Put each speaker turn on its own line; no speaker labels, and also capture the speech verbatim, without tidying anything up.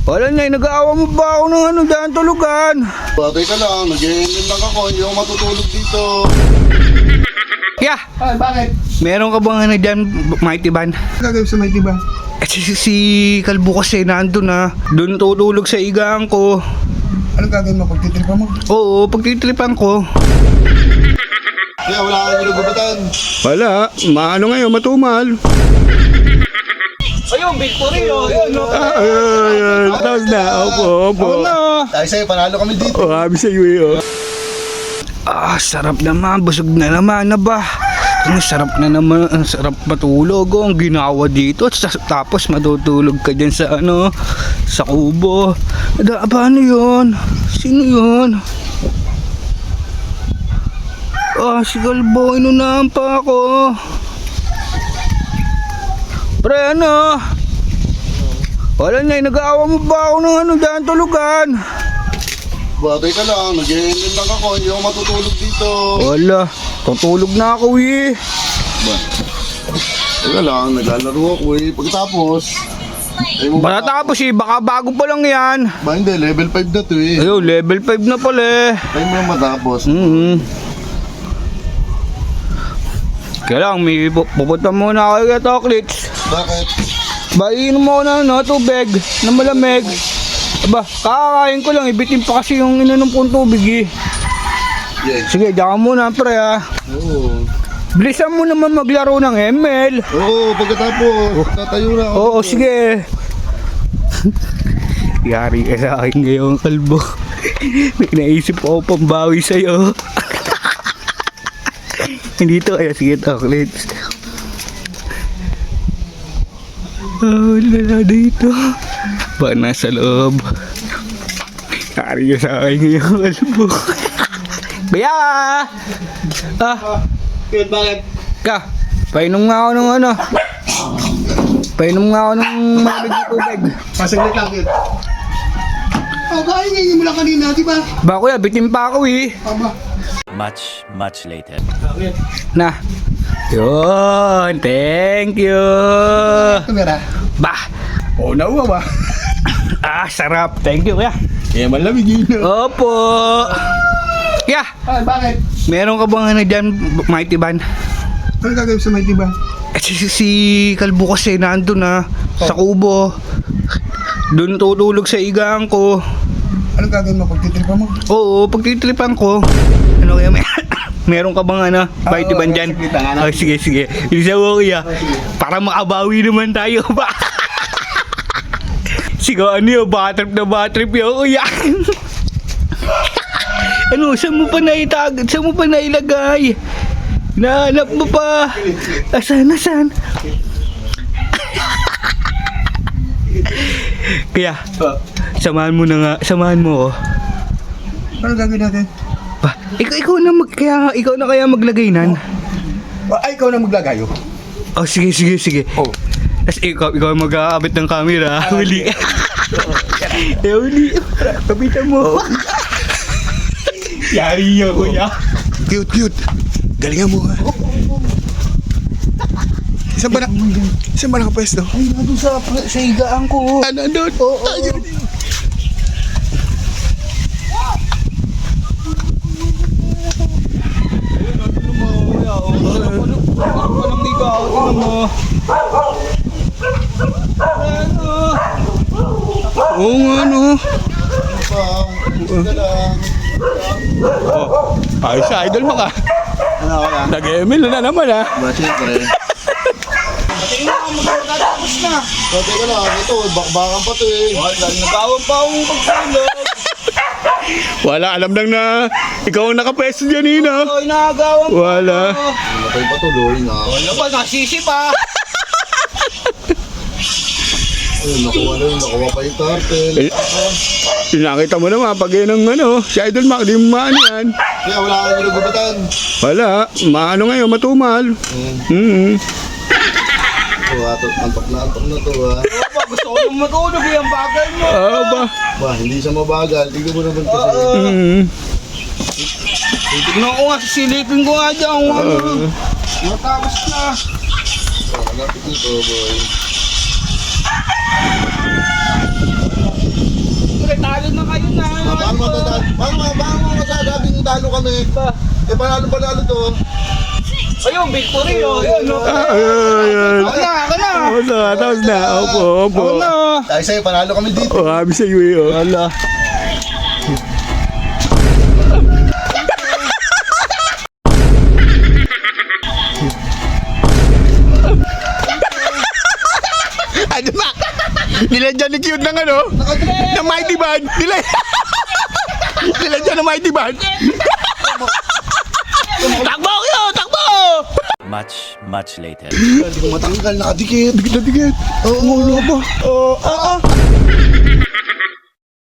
Wala na, nag-aawa mo ba ako ng ano dyan tulugan?
Batay ka lang, nag-e-ending lang ako, hindi ako matutulog dito.
Kaya,
Ay, bakit?
meron ka bang ano dyan, Mighty Van?
Gagawin sa Mighty Van?
Eh, si, si, si Kalbo kasi nandun na. Doon tutulog sa igaan ko.
Anong gagawin mo? Pagtitripa mo?
Oo, pagtitripan ko.
Kaya wala kang ginugubatan.
Wala, maano ngayon, matumal.
Ayun, victory oh. Ayun, no.
Ah, ayun, ayun. Tapos na, opo, opo.
Ako na.
Dahil sa'yo, panalo kami dito.
Oh, habi sa iyo eh, oh. Ah, sarap naman, busog na naman na ba? Ang sarap na naman, ang sarap matulog oh, ang ginawa dito. Sa- Tapos matutulog ka dyan sa ano, sa kubo. Ada, paano yun? Sino yun? Ah, si Kalbo, inunahan pa ako. Pre, ano? Wala na, nag-aawa mo ba ako ng ano dyan tulugan?
Batay ka lang, nag-e-ending lang ako, hindi ako matutulog dito.
Wala, tutulog na ako eh.
Ba? Teka lang, naglalaro ako eh. Pagkatapos, ay mo
Baka tapos eh, baka bago pa lang yan.
Ba hindi, level five na to eh.
Ayun, level five na pala eh.
Tayo mo lang matapos.
Mm-hmm. Kaya lang, may pu- pupunta muna ako kay Toklits.
Bakit?
Ba, iinom mo na ano, tubig na malamig. Aba, kakakain ko lang, ibitin pa kasi yung ininom kong tubig eh.
Yeah.
Sige, diyan ka muna pre ah.
Oo.
Bilisan mo naman maglaro ng M L.
Oo, pagkatapos, tatayo na ako.
Oo, sige. Yari ka sa akin ngayon, Kalbo. May naisip ako pambawi sa'yo. Hindi to, kaya sige, Toklits. Oh, wala na dito. Ba, nasa loob. Yari ka sa akin ngayon, Kalbo. Kuya! Ah,
Kaya bakit?
ka, painom nga ako ng ano. Painom nga ako ng malamig na tubig.
Pasaglit lang yun. Oh, kain ngayon mo lang kanina, di ba?
Ba kuya, bitin pa ako eh.
Aba.
Much, much later.
Na. Yun, thank you.
Kamera.
Bah,
Oo, nauwa ba?
ah, sarap. Thank you kuya.
Eh, malamig yun.
Opo. Kuya,
Ay, bakit?
meron ka bang ano dyan, Mighty Van?
Anong gagawin sa Mighty Van?
Eh, si, si, si Kalbo kasi nandun na, sa kubo. Doon tutulog sa igaan ko.
Anong gagawin mo? Pagtitripa mo?
Oo, pagtitripan ko. Ano kaya may... Meron ka bang ano, Mighty Van dyan?
sige, tanga na.
Oh, sige, sige. Isa mo kuya. Para makabawi naman tayo ba? Sige, ano yun? Batrip na batrip yun kuya. Ano, saan mo pa naitag? Saan mo pa nailagay? Nahanap mo pa. Asan, asan? Kaya, samahan mo na nga, samahan mo oh.
Anong gagawin natin?
Ba, ikaw, ikaw na mag, kaya, ikaw na kaya maglagay nan?
Ay, ikaw na maglagayo.
Oh, sige, sige, sige.
Oh.
Tapos ikaw, ikaw mag-aabit ng camera. Huli. Eh, huli. Kapitan mo. Yari yun, kuya.
Cute, cute. Galingan mo ha. Saan ba na? Saan ba nakapwesto?
Ay, nandun sa, sa higaan ko.
Ano, doon? Oo. Ayun.
Walang higaan, tingnan mo. Ano? Oo nga, no.
Ito lang.
Oh, ayos sa idol mo ka.
Ano ako yan?
Nag-M L na naman, ha.
Ba, siyempre.
Tapos na.
So, teka lang. Ito, bakbakan pa to eh.
Nagawang pa akong pagsulog. Wala, alam lang na ikaw ang nakapwesto dyan, Nina.
Ay, nakagawan pa.
Wala.
Matay pa tuloy na.
Ano ba, nasisi pa.
Ayun, nakuha na yun. Nakuha pa yung turtle.
Eh, nakita mo naman, pag yun ang ano, si Idol Mac, di mo maano yan.
Kaya wala kang ginugubatan.
Wala, maano ngayon, matumal. Mm-hmm.
Oh, ato, antok na antok na to ha.
Ano ba, gusto ko nang matulog eh, ang bagay mo.
Ah, ba?
Ba, hindi siya mabagal. Tignan mo naman kasi.
Mm-hmm.
Tignan ko nga, sisilipin ko nga dyan. Ano, matapos na.
Oh, malapit nito, boy.
kayo na.
Ah, Paano matatalo? Paano paano mo masasabing talo kami? Eh, panalo panalo to.
Ayun, victory oh. Ayun, no.
Ayun.
Ako na, ako na.
Tapos na, tapos na. Opo, opo.
Ako na.
Dahil sa'yo, panalo kami dito.
Oh, kami sa iyo eh. Oh. Ala. Ano ba? Nilagyan ni cute ng ano? Ng mighty band. Nila- Nilagyan ng mighty band. Takbo kayo! Takbo!
Much, much later.
Hindi ko matanggal, nakadikit.
Dikit na dikit.
Oo,
Ano ba? Oo. Ah, ah.